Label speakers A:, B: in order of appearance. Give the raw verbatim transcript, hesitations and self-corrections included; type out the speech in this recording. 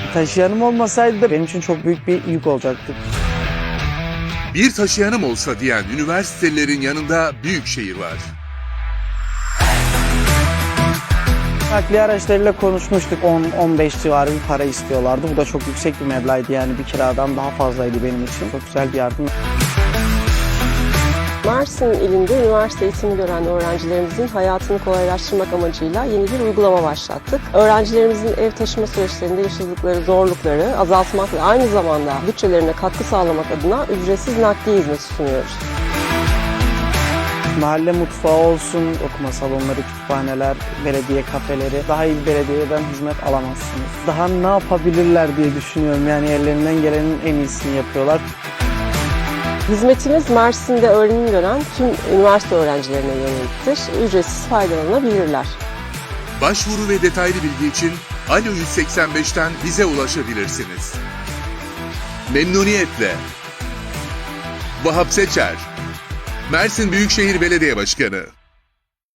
A: Taşıyanım olmasaydı da benim için çok büyük bir yük olacaktı.
B: Bir taşıyanım olsa diyen üniversitelilerin yanında Büyükşehir var.
A: Nakliye araçlarıyla konuşmuştuk. on on beş civarı bir para istiyorlardı. Bu da çok yüksek bir meblağdı, yani bir kiradan daha fazlaydı benim için. Çok güzel bir yardım.
C: Mersin ilinde üniversite eğitimi gören öğrencilerimizin hayatını kolaylaştırmak amacıyla yeni bir uygulama başlattık. Öğrencilerimizin ev taşıma süreçlerinde yaşadıkları zorlukları azaltmak ve aynı zamanda bütçelerine katkı sağlamak adına ücretsiz nakliye hizmeti sunuyoruz.
A: Mahalle mutfağı olsun, okuma salonları, kütüphaneler, belediye kafeleri, daha iyi bir belediyeden hizmet alamazsınız. Daha ne yapabilirler diye düşünüyorum, yani ellerinden gelenin en iyisini yapıyorlar.
C: Hizmetimiz Mersin'de öğrenim gören tüm üniversite öğrencilerine yöneliktir. Ücretsiz faydalanabilirler.
B: Başvuru ve detaylı bilgi için Alo yüz seksen beşten bize ulaşabilirsiniz. Memnuniyetle. Vahap Seçer, Mersin Büyükşehir Belediye Başkanı.